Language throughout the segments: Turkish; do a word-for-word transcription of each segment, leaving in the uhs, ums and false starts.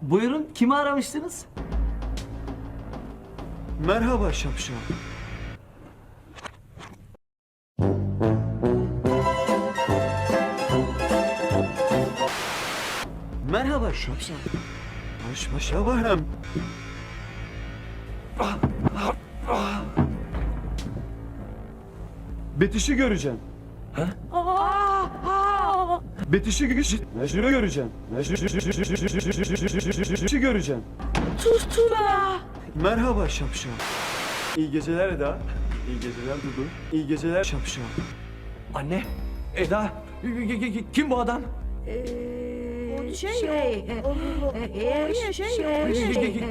Buyurun, kimi aramıştınız? Merhaba şapşal. Merhaba şapşal. Baş başa varım. Betiş'i göreceğim. Ha? Betiş'i göreceğim. Mecnun'u göreceğim. Betiş'i göreceğim. Tustula. Merhaba şapşal. İyi geceler Eda. İyi geceler Dudu. İyi geceler şapşal. Anne, Eda, kim bu adam? Şey, şey, o, oraya şey, oraya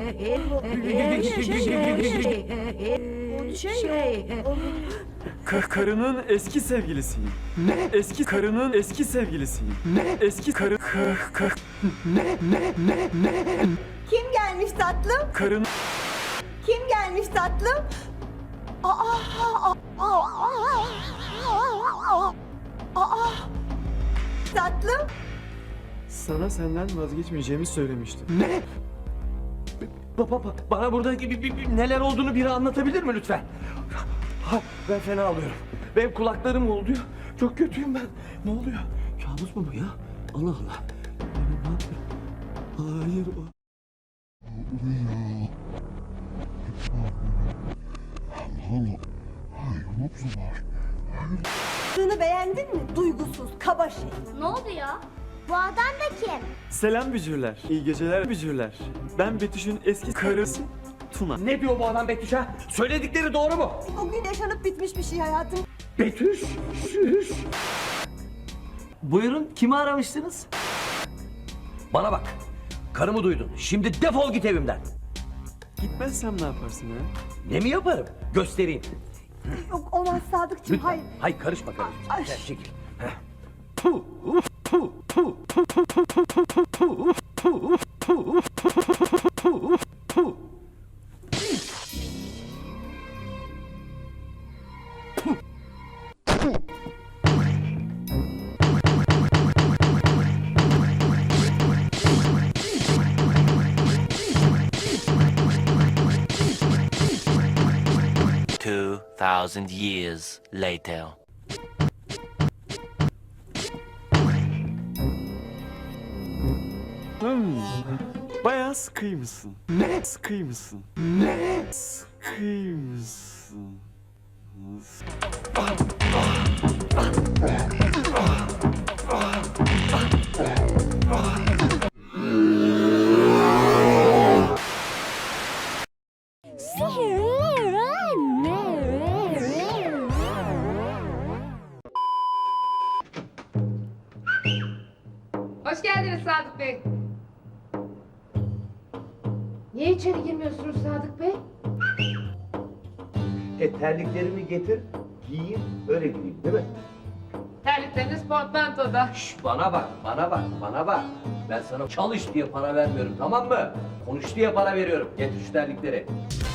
şey, şey, Ka- karının eski sevgilisiyim. Ne? Eski karının eski sevgilisiyim. Ne? Eski karı ka- ka- Ne, ne, ne, ne? Kim gelmiş tatlım? karın Kim gelmiş tatlım? Aa, aa, aa, aa, aa, tatlım. sana senden vazgeçmeyeceğimi söylemiştim. Ne? Baba, bana burada gibi bir- bir- neler olduğunu biri anlatabilir mi lütfen? Ha, ben fena alıyorum. Benim kulaklarım oluyor. Çok kötüyüm ben. Ne oluyor? Kabus mu bu ya? Allah Allah. Ben ne yapıyorum? Hayır. o- Kızını beğendin mi? Duygusuz, kaba şey. Ne oldu ya? Bu adam da kim? Selam bücürler. İyi geceler bücürler. Ben Betüş'ün eski karısı Tuna. Ne diyor bu adam Betüş ha? Söyledikleri doğru mu? O gün yaşanıp bitmiş bir şey hayatım. Betüş, şüş. Buyurun, kimi aramıştınız? Bana bak, karımı duydun. Şimdi defol git evimden. Gitmezsem ne yaparsın ha? Ne mi yaparım? Göstereyim. Yok olmaz Sadıkçım, hayır. Hayır, karışma karışma. Ay. Gel, çekil. Heh. Puh, uf, puh, puh, puh, puh, puh, puh, puh, puh, puh, puh, puh, puh, puh. Two thousand years later. Hmm. Bayağı sıkıymışsın. Ne? Sıkıymışsın. Ne? Sıkıymışsın. Hoş geldiniz Sadık Bey. Niye içeri girmiyorsunuz Sadık Bey? E terliklerimi getir, giyeyim, öyle gireyim değil mi? Terlikleriniz portmantoda. Şş, bana bak, bana bak, bana bak. Ben sana çalış diye para vermiyorum, tamam mı? Konuş diye para veriyorum. Getir şu terlikleri.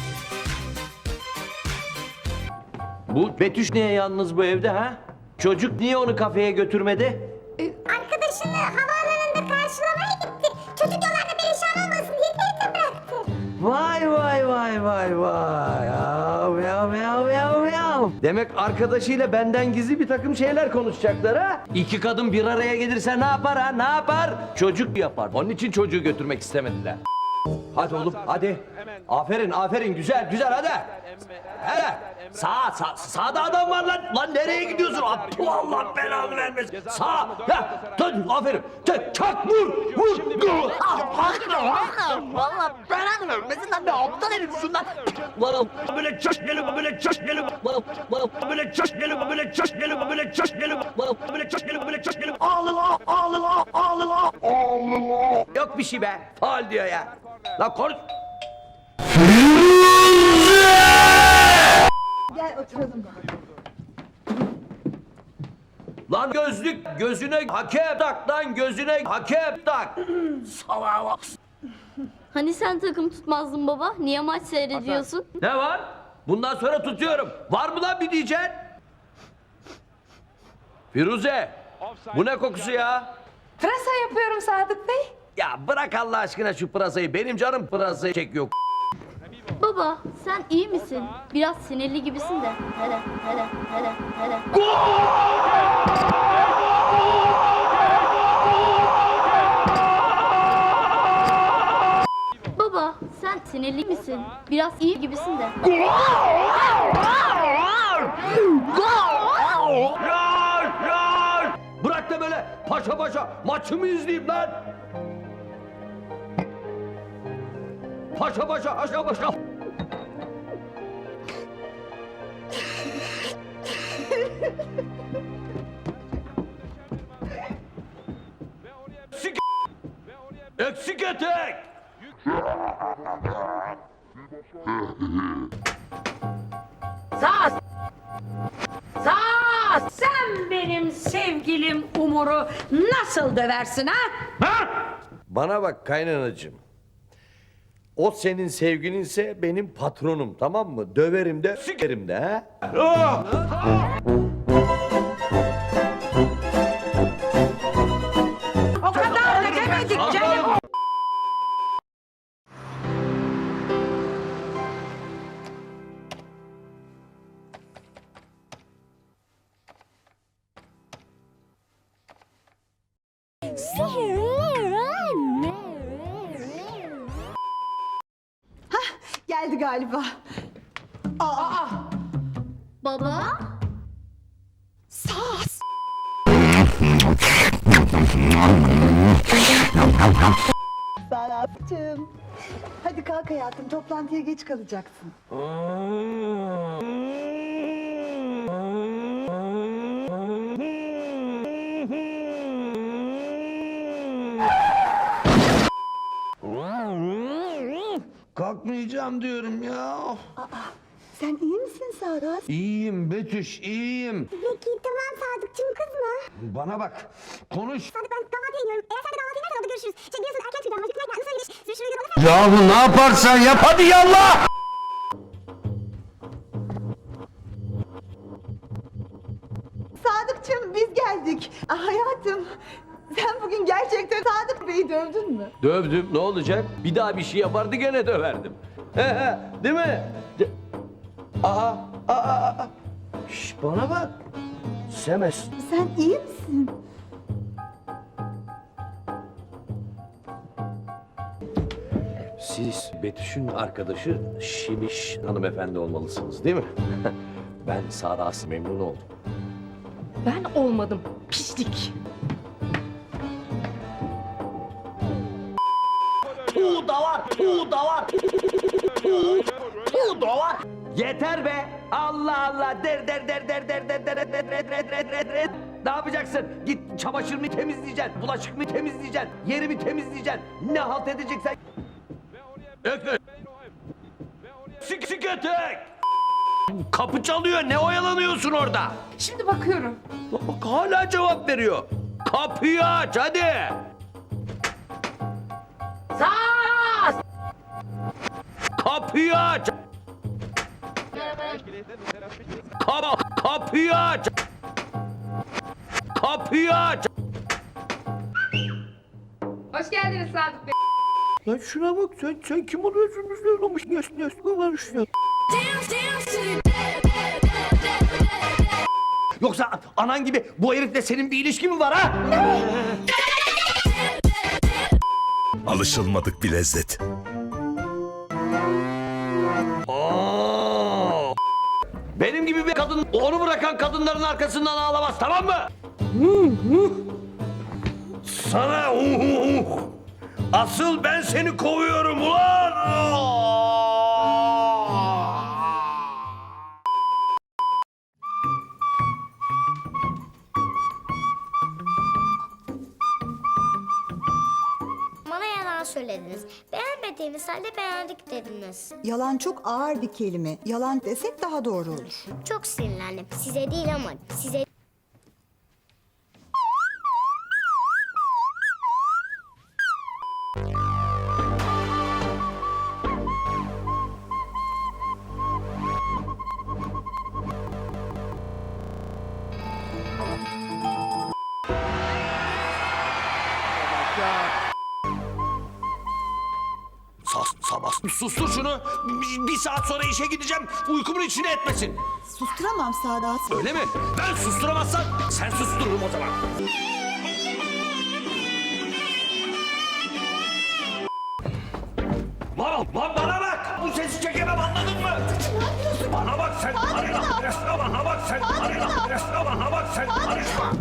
Bu Betüş niye yalnız bu evde ha? Çocuk niye onu kafeye götürmedi? Arkadaşını havaalanında karşılamaya gitti. Çocuk yollarda perişan olmasın diye evde bıraktı. Vay vay vay vay vay. Yav yav yav yav yav. Demek arkadaşıyla benden gizli bir takım şeyler konuşacaklar ha? İki kadın bir araya gelirse ne yapar ha? Ne yapar? Çocuk yapar. Onun için çocuğu götürmek istemediler. Hadi oğlum hadi. Aferin aferin güzel güzel hadi. Hadi. Sağ, sağ, sağda adam var lan. Lan nereye gidiyorsun? Allah belanı vermesin. Sağ. Ya, dön, aferin. Çak, çak, vur, vur. Dur. Vallahi belanı vermesin lan. Ne aptal herifsin lan. Lan böyle çaş gelin, böyle çaş gelin. Lan böyle çaş gelin, böyle çaş gelin, böyle çaş gelin. Lan böyle çaş gelin, böyle çaş gelin. Ağlın, ağlın, ağlın, ağlın. Yok bir şey be. Faal diyor ya. Lan konuş. Gel oturalım. Lan gözlük gözüne hakem tak lan gözüne hakem tak. Salağa bak. Hani sen takım tutmazdın baba? Niye maç seyrediyorsun? Ne var? Bundan sonra tutuyorum. Var mı lan bir diyeceksin? Firuze, bu ne kokusu ya? Pırasa yapıyorum Sadık Bey. Ya bırak Allah aşkına şu pırasayı. Benim canım pırasayı çekiyor. Baba sen iyi misin? Biraz sinirli gibisin de. Hele hele hele hele. Baba sen sinirli misin? Biraz iyi gibisin de. Yar! Yar! Bırak da böyle paşa paşa maçımı izleyeyim lan. Paşa paşa paşa paşa. Eksik Eksik etek. Sağ. Sağ. Sen benim sevgilim Umur'u nasıl döversin ha? Bana bak kaynanacığım. O senin sevgilinse benim patronum, tamam mı? Döverim de sikerim de ha. O kadar da demedik canım. Geldi galiba. Baba? Sağ. Sadıkçım. Hadi kalk hayatım, toplantıya geç kalacaksın. Kalkmayacağım diyorum ya. Sen iyi misin Sadık? İyiyim Betüş, iyiyim. Peki tamam Sadıkçım kızma. Bana bak, konuş. Sadık ben kahvaltıya gidiyorum. Eğer sen de kahvaltıya gidersen orada görüşürüz. Şey biliyorsun erken çıkacağım. Vakit verken ısrar ediş. Sürüşürüz yolda. Yahu ne yaparsan yap hadi yallah. Sadıkçım biz geldik. Ah, hayatım, sen bugün gerçekten Sadık Bey'i dövdün mü? Dövdüm, ne olacak? Bir daha bir şey yapardı gene döverdim. He he, değil mi? De- Aa, aa, aa. Şş, bana bak. Semes. Sen iyi misin? Siz Betüş'ün arkadaşı Şimiş hanımefendi olmalısınız değil mi? Ben Sara'sı memnun oldum. Ben olmadım. Pislik. Tu da var, tu da var. Tu, tu da var. Yeter be. Allah Allah. Der der der der der der der der der der der der der. Ne yapacaksın? Git çamaşır mı temizleyeceksin? Bulaşık mı temizleyeceksin? Yeri mi temizleyeceksin? Ne halt edeceksen? Ekle. Sik sik etek. Kapı çalıyor. Ne oyalanıyorsun orada? Şimdi bakıyorum. Bak hala cevap veriyor. Kapıyı aç hadi. Sağ. Kapıyı aç. Kap kapıyı aç. Kapıyı aç. Hoş geldiniz Sadık Bey. Lan şuna bak sen sen kim oluyorsun? Ne olmuş? Ne ne varmış ya? Yoksa anan gibi bu herifle senin bir ilişkin mi var ha? Alışılmadık bir lezzet. Aa! Benim gibi bir kadın onu bırakan kadınların arkasından ağlamaz, tamam mı? Sana asıl ben seni kovuyorum ulan! Bana yalan söylediniz. Beğenmediğiniz halde beğendik dediniz. Yalan çok ağır bir kelime. Yalan desek daha doğru olur. Çok sinirlendim. Size değil ama size... Sustur şunu. Bir, bir saat sonra işe gideceğim. Uykumun içine etmesin. Susturamam Sadat. Öyle mi? Ben susturamazsam sen sustururum o zaman. Lan, lan bana bak! Bu sesi çekemem, anladın mı? Bana bak sen, karışma! Bana bak sen, karışma! Bana bak sen, karışma!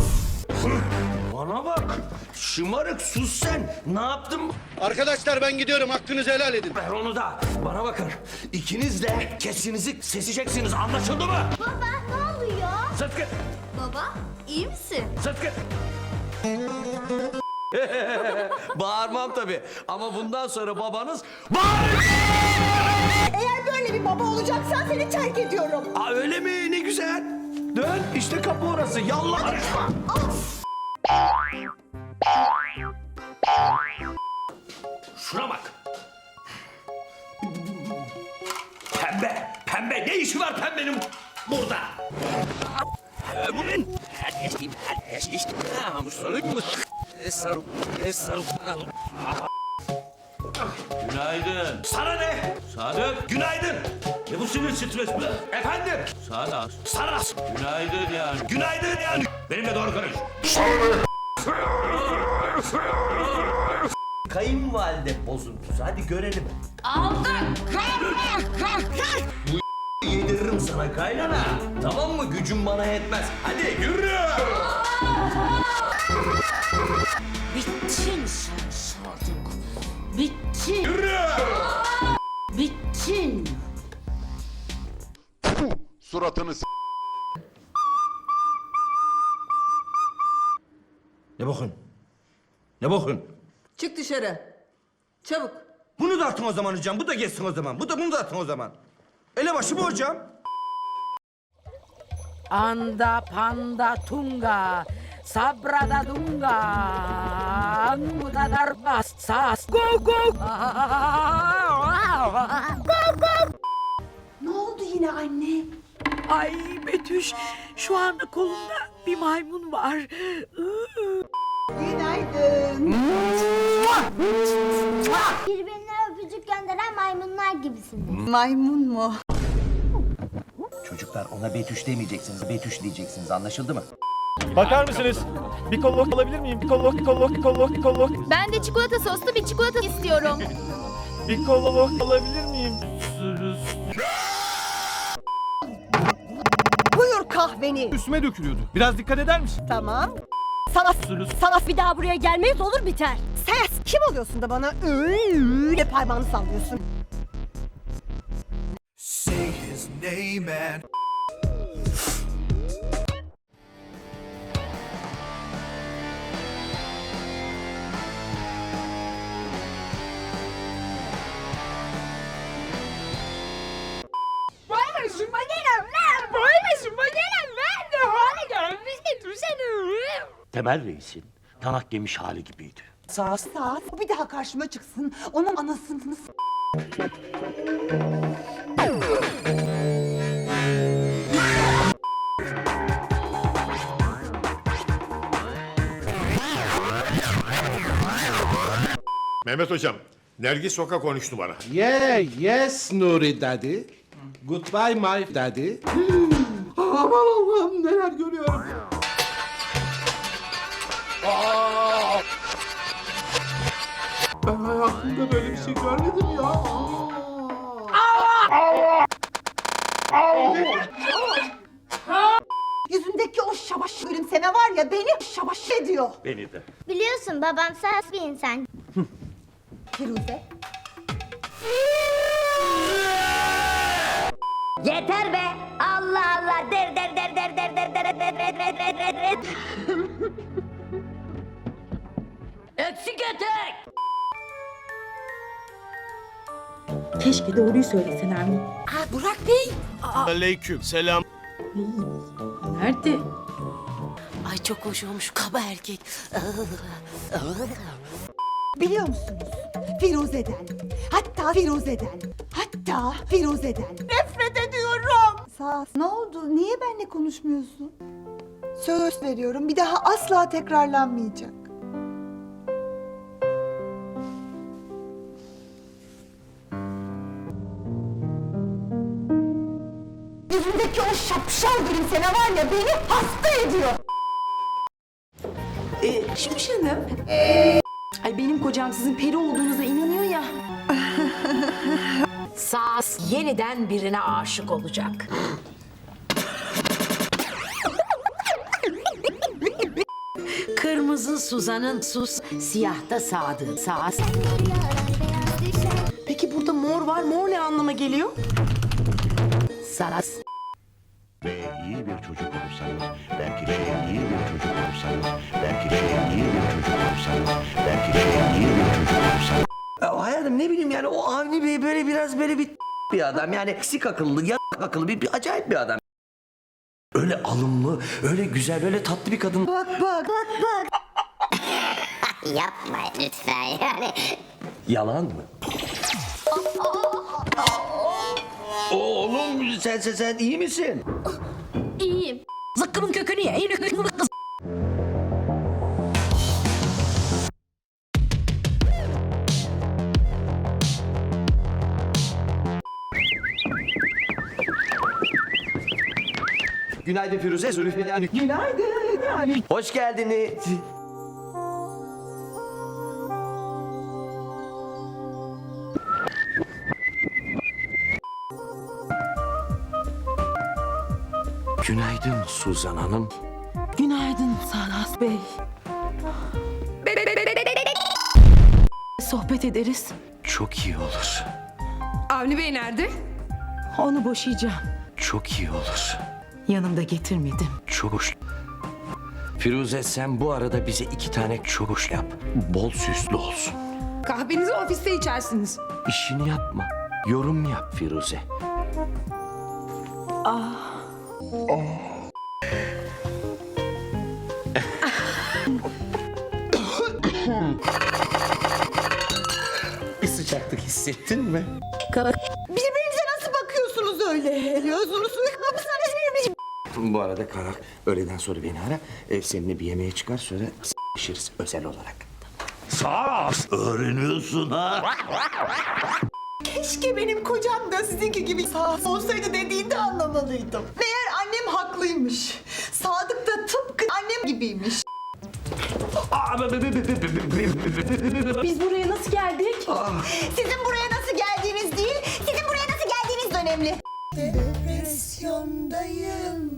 Bana bak! Şımarık, sus sen! Ne yaptın? Arkadaşlar ben gidiyorum. Hakkınızı helal edin. Ver onu da. Bana bakın. İkiniz de kesinizi seseceksiniz, anlaşıldı mı? Baba ne oluyor? Sıtkı! Baba iyi misin? Sıtkı! Bağırmam tabii. Ama bundan sonra babanız bağırır! Eğer böyle bir baba olacaksan seni terk ediyorum. Aa, öyle mi? Ne güzel. Dön. İşte kapı orası. Yallah karışma. Şuna bak. Pembe. Pembe. Ne işi var pembenin burada? Bu ben. Günaydın. Sana ne? Sadık. Günaydın. Ne bu sinir stres mi? Efendim? Sana. Sana. Günaydın yani. Günaydın yani. Benimle doğru konuş. Kayınvalide bozuntusu. Hadi görelim. Aldım. Bu yediririm sana kaynana. Tamam mı? Gücüm bana yetmez. Hadi yürü. Bittin sen Sadık. Bittin. Yürü. Bittin. Suratını s***. Ne bakın? Ne bakın? Çık dışarı. Çabuk. Bunu da atın o zaman hocam. Bu da geçsin o zaman. Bu da bunu da atın o zaman. Elebaşı bu hocam. Anda panda tunga. Sabrada dunga. Anguda darbas. Sas. Go go. Ne oldu yine anne? Ay Betüş, şu anda kolumda bir maymun var. Günaydın. Birbirine öpücük gönderen maymunlar gibisiniz. Maymun mu? Çocuklar ona Betüş demeyeceksiniz, Betüş diyeceksiniz. Anlaşıldı mı? Bakar mısınız? Bir kollok alabilir miyim? Bir kollok, bir kollok, bir kollok, bir kollok. Ben de çikolata soslu bir çikolata istiyorum. Bir kollok alabilir miyim? Buyur kahveni. Üstüme dökülüyordu. Biraz dikkat eder misin? Tamam. Sana sana bir daha buraya gelmeyiz olur biter. Sen kim oluyorsun da bana öyle parmağını sallıyorsun? Say his name and... Temel Reis'in danak yemiş hali gibiydi. Sağ sağ bir daha karşıma çıksın. Onun anasını s- Mehmet hocam, Nergis Soka konuştu bana. Yeah, yes Nuri daddy. Goodbye my daddy. Aman Allah'ım neler görüyorum. Aa! Ben hayatımda böyle bir şey görmedim ya. Yüzündeki o şabaş gülümseme var ya beni şabaş ediyor. Beni de. Biliyorsun babam saf bir insan. Firuze. Yeter be! Allah Allah! Der der der der der der der der der der der der der. Eksik etek. Keşke doğruyu söylesen Ermin. Aa, Burak Bey. Aleyküm selam. Nerede? Ay çok hoş olmuş kaba erkek. Biliyor musunuz? Firuze'den, hatta Firuze'den, hatta Firuze'den nefret ediyorum. Sağ ne oldu? Niye benimle konuşmuyorsun? Söz veriyorum bir daha asla tekrarlanmayacak. Önündeki o şapşal gülümseme var ya beni hasta ediyor. Ee, Şimş Hanım. Ay benim kocam sizin peri olduğunuza inanıyor ya. Saz yeniden birine aşık olacak. Kırmızı Suzan'ın sus, siyahta Sadık. Saz. Peki burada mor var. Mor ne anlama geliyor? Saz. Ve iyi bir çocuk olursanız, belki şey iyi bir çocuk olursanız, belki şey iyi bir çocuk olursanız, belki şey iyi bir çocuk olursanız. Ya hayatım ne bileyim yani o Avni Bey böyle biraz böyle bir bir adam yani eksik akıllı, ya akıllı bir, bir acayip bir adam. Öyle alımlı, öyle güzel, öyle tatlı bir kadın. Bak bak bak bak. Yapma lütfen yani. Yalan mı? Oğlum sen sen sen iyi misin? İyiyim. Zıkkımın kökünü ye. Kız. Günaydın Firuze. Zülfü. Günaydın. Hoş geldiniz. Günaydın Suzan Hanım. Günaydın Salas Bey. Sohbet ederiz. Çok iyi olur. Avni Bey nerede? Onu boşayacağım. Çok iyi olur. Yanımda getirmedim. Çok hoş. Firuze sen bu arada bize iki tane çok hoş yap. Bol süslü olsun. Kahvenizi ofiste içersiniz. İşini yapma. Yorum yap Firuze. Bir sıcaklık hissettin mi? Birbirinize nasıl bakıyorsunuz öyle? Gözünüzü kapısına Bu arada Karak öğleden sonra beni ara. E, seninle bir yemeğe çıkar sonra s***şiriz özel olarak. Sağ öğreniyorsun ha. Keşke benim kocam da sizinki gibi sağ olsaydı dediğinde anlamalıydım. Meğer annem haklıymış. Sadık da tıpkı annem gibiymiş. Biz buraya nasıl geldik? Sizin buraya nasıl geldiğiniz değil, sizin buraya nasıl geldiğiniz de önemli. Depresyondayım.